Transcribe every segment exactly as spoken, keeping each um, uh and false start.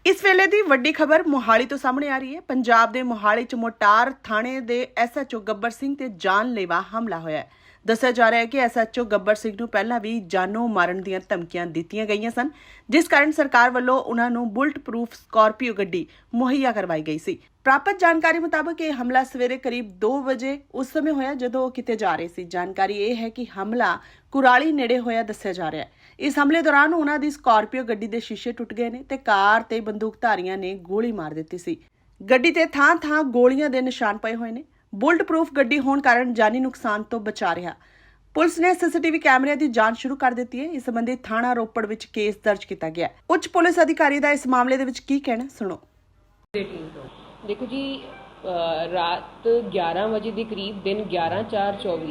इस वेले दी वड्डी खबर मोहाली तो सामने आ रही है। पंजाब दे मोहाली च मोटार थाणे दे S H O Gabbar Singh ते जानलेवा हमला होया है। दस्सिया जा रहा है कि S H O Gabbar Singh नूं पहलां भी जानों मारन दीआं धमकियां दित्तियां गईयां सन, जिस कारण सरकार वल्लों उन्हां नूं बुलट प्रूफ स्कॉर्पियो गड्डी मुहैया करवाई गई सी। प्राप्त जानकारी मुताबक यह हमला सवेरे करीब दो बजे उस समय होया जदों वो किते जा रहे सी। जानकारी यह है कि हमला कुराली नेड़े होया दस्सिया जा रहा है। इस हमले दौरान उन्हां दी स्कॉर्पियो गड्डी दे शीशे टुट गए ने ते कार ते बंदूकधारियां ने गोली मार दित्ती सी। गड्डी ते थां थां गोलियां दे निशान पए होए ने। बुलट प्रूफ गड्डी होने कारण जानी नुकसान तो बचा रहा। पुलिस ने सीसीटीवी कैमरे की जांच शुरू कर दी है। इस संबंधी थाना रोपड़ विच केस दर्ज किया गया। उच्च पुलिस अधिकारी का इस मामले दे विच की कहना, सुनो। देखो जी, रात ग्यारह बजे के करीब दिन ग्यारह चार चौबी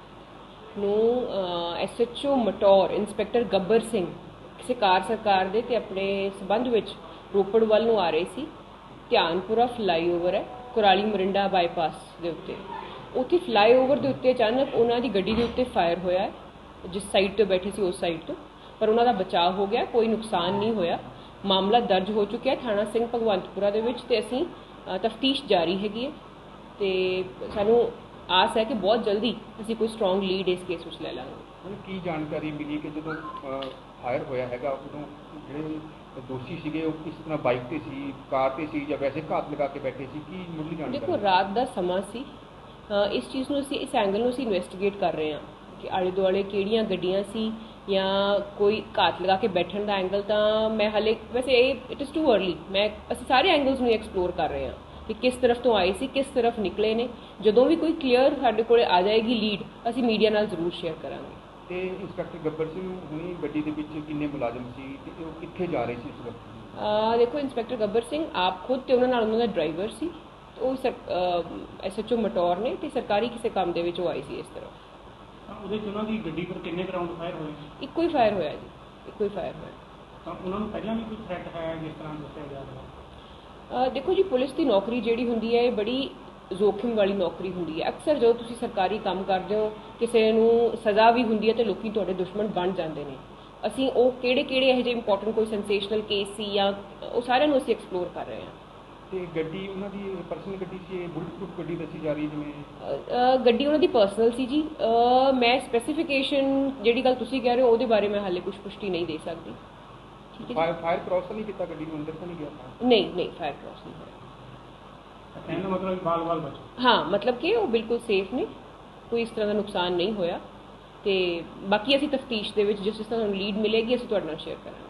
ਨੂੰ S H O Mataur inspector Gabbar Singh ਕਿਸੇ ਕਾਰ ਸਰਕਾਰ ਦੇ ਤੇ ਆਪਣੇ ਸਬੰਧ ਵਿੱਚ ਰੋਪੜ ਵੱਲ ਨੂੰ ਆ ਰਹੇ ਸੀ। ਧਿਆਨਪੁਰਾ ਫਲਾਈਓਵਰ ਹੈ ਕੁਰਾਲੀ ਮਰਿੰਡਾ ਬਾਈਪਾਸ ਦੇ ਉੱਤੇ। ਉੱਥੇ ਫਲਾਈਓਵਰ ਦੇ ਉੱਤੇ ਅਚਾਨਕ ਉਹਨਾਂ ਦੀ ਗੱਡੀ ਦੇ ਉੱਤੇ ਫਾਇਰ ਹੋਇਆ ਹੈ। ਜਿਸ ਸਾਈਡ ਤੇ ਬੈਠੇ ਸੀ ਉਸ ਸਾਈਡ ਤੋਂ, ਪਰ ਉਹਨਾਂ ਦਾ ਬਚਾਅ ਹੋ ਗਿਆ, ਕੋਈ ਨੁਕਸਾਨ ਨਹੀਂ ਹੋਇਆ। ਮਾਮਲਾ ਦਰਜ ਹੋ ਚੁੱਕਿਆ ਥਾਣਾ ਸਿੰਘ ਭਗਵੰਤਪੁਰਾ ਦੇ ਵਿੱਚ ਤੇ ਅਸੀਂ ਤਫਤੀਸ਼ ਜਾਰੀ ਹੈਗੀ ਹੈ ਤੇ ਸਾਨੂੰ आस है कि बहुत जल्दी असी कोई स्ट्रॉन्ग लीड इस केस में ले लांगे। की जानकारी मिली कि जो फायर होया है उदों ਜਿਹੜੇ ਦੋਸ਼ੀ ਸੀਗੇ ਉਹ ਕਿਸ ਤਰ੍ਹਾਂ ਬਾਈਕ ਤੇ ਸੀ, ਕਾਰ ਤੇ ਸੀ ਜਾਂ ਵੈਸੇ ਘਾਤ ਲਗਾ ਕੇ ਬੈਠੇ ਸੀ, ਕੀ ਮੁੱਢਲੀ ਜਾਣਕਾਰੀ? ਦੇਖੋ, ਰਾਤ ਦਾ ਸਮਾਂ ਸੀ। ਇਸ ਚੀਜ਼ ਨੂੰ ਅਸੀਂ ਇਸ ਐਂਗਲ ਨੂੰ ਅਸੀਂ ਇਨਵੈਸਟੀਗੇਟ ਕਰ ਰਹੇ ਹਾਂ ਕਿ ਆਲੇ ਦੁਆਲੇ ਕਿਹੜੀਆਂ ਗੱਡੀਆਂ ਸੀ ਜਾਂ ਕੋਈ ਘਾਤ ਲਗਾ ਕੇ ਬੈਠਣ ਦਾ ਐਂਗਲ। ਤਾਂ ਮੈਂ ਹਾਲੇ ਵੈਸੇ ਇਹ ਇਟ ਇਜ਼ ਟੂ अर्ਲੀ, मैं ਅਸੀਂ ਸਾਰੇ ਐਂਗਲਸ ਨੂੰ ਐਕਸਪਲੋਰ ਕਰ ਰਹੇ ਹਾਂ कि किस तरफ तो आए सी, किस तरफ निकले ने। ਜਦੋਂ ਵੀ ਕੋਈ ਕਲੀਅਰ ਸਾਡੇ ਕੋਲ ਆ ਜਾਏਗੀ ਲੀਡ, ਅਸੀਂ ਮੀਡੀਆ ਨਾਲ ਜ਼ਰੂਰ ਸ਼ੇਅਰ ਕਰਾਂਗੇ। ਤੇ ਇੰਸਪੈਕਟਰ ਗੱਬਰ ਸਿੰਘ ਹੁਣੀ ਗੱਡੀ ਦੇ ਵਿੱਚ ਕਿੰਨੇ ਮੁਲਾਜ਼ਮ ਸੀ ਤੇ ਉਹ ਕਿੱਥੇ ਜਾ ਰਹੇ ਸੀ ਇਸ ਵਕਤ? ਆ ਦੇਖੋ, ਇੰਸਪੈਕਟਰ ਗੱਬਰ ਸਿੰਘ ਆਪ ਖੁਦ ਤੇ ਉਹਨਾਂ ਨਾਲ ਉਹਨਾਂ ਦਾ ਡਰਾਈਵਰ ਸੀ। ਉਹ ਐਸ ਐਚ ਓ ਮਟੌਰ ਨੇ ਤੇ ਸਰਕਾਰੀ ਕਿਸੇ ਕੰਮ ਦੇ ਵਿੱਚ ਉਹ ਆਈ ਸੀ ਇਸ ਤਰ੍ਹਾਂ। ਉਹਦੇ ਚ ਉਹਨਾਂ ਦੀ ਗੱਡੀ ਪਰ ਕਿੰਨੇ ਰਾਉਂਡ ਫਾਇਰ ਹੋਏ? ਇੱਕੋ ਹੀ ਫਾਇਰ ਹੋਇਆ ਜੀ, ਇੱਕੋ ਹੀ ਫਾਇਰ ਹੋਇਆ। ਤਾਂ ਉਹਨਾਂ ਨੂੰ ਪਹਿਲਾਂ ਵੀ ਕੋਈ ਥ੍ਰੈਟ ਹੈ ਜਿਸ ਤਰ੍ਹਾਂ ਦੱਸਿਆ ਜਾ ਰਿਹਾ? देखो जी, पुलिस की नौकरी जिहड़ी हुंदी है बड़ी जोखिम वाली नौकरी हुंदी है। अक्सर जो तुसीं सरकारी काम करदे हो किसी नूं सज़ा भी हुंदी है तो लोग तुहाडे दुश्मन बन जाते हैं। असीं वो किहड़े किहड़े इहो जिहे इंपॉर्टेंट कोई सेंसेशनल केस सी या वो सारिਆਂ ਨੂੰ ਅਸੀਂ एक्सप्लोर कर रहे हैं। ਤੇ ਗੱਡੀ ਉਹਨਾਂ ਦੀ ਪਰਸਨਲ ਗੱਡੀ ਸੀ, ਬੁਲਟ ਪ੍ਰੂਫ ਗੱਡੀ ਦੱਸੀ ਜਾ ਰਹੀ ਜਿਵੇਂ? ਗੱਡੀ ਉਹਨਾਂ ਦੀ ਪਰਸਨਲ ਸੀ ਜੀ। ਮੈਂ ਸਪੈਸੀਫਿਕੇਸ਼ਨ ਜਿਹੜੀ ਗੱਲ ਤੁਸੀਂ ਕਹਿ ਰਹੇ ਹੋ ਉਹਦੇ ਬਾਰੇ ਮੈਂ ਹਾਲੇ ਕੁਝ ਪੁਸ਼ਟੀ ਨਹੀਂ ਦੇ ਸਕਦੀ। फायर फायर क्रॉस नहीं किया गड्डी में, अंदर तो नहीं गया था? नहीं नहीं, फायर क्रॉस नहीं होया। कहने मतलब बाल बाल बचे? हाँ, मतलब कि वो बिल्कुल सेफ ने, कोई इस तरह का नुकसान नहीं होया। ते बाकी असी तफ्तीश दे विच जिस जिस तरह लीड मिलेगी असी तुहाडे नाल शेयर करांगे।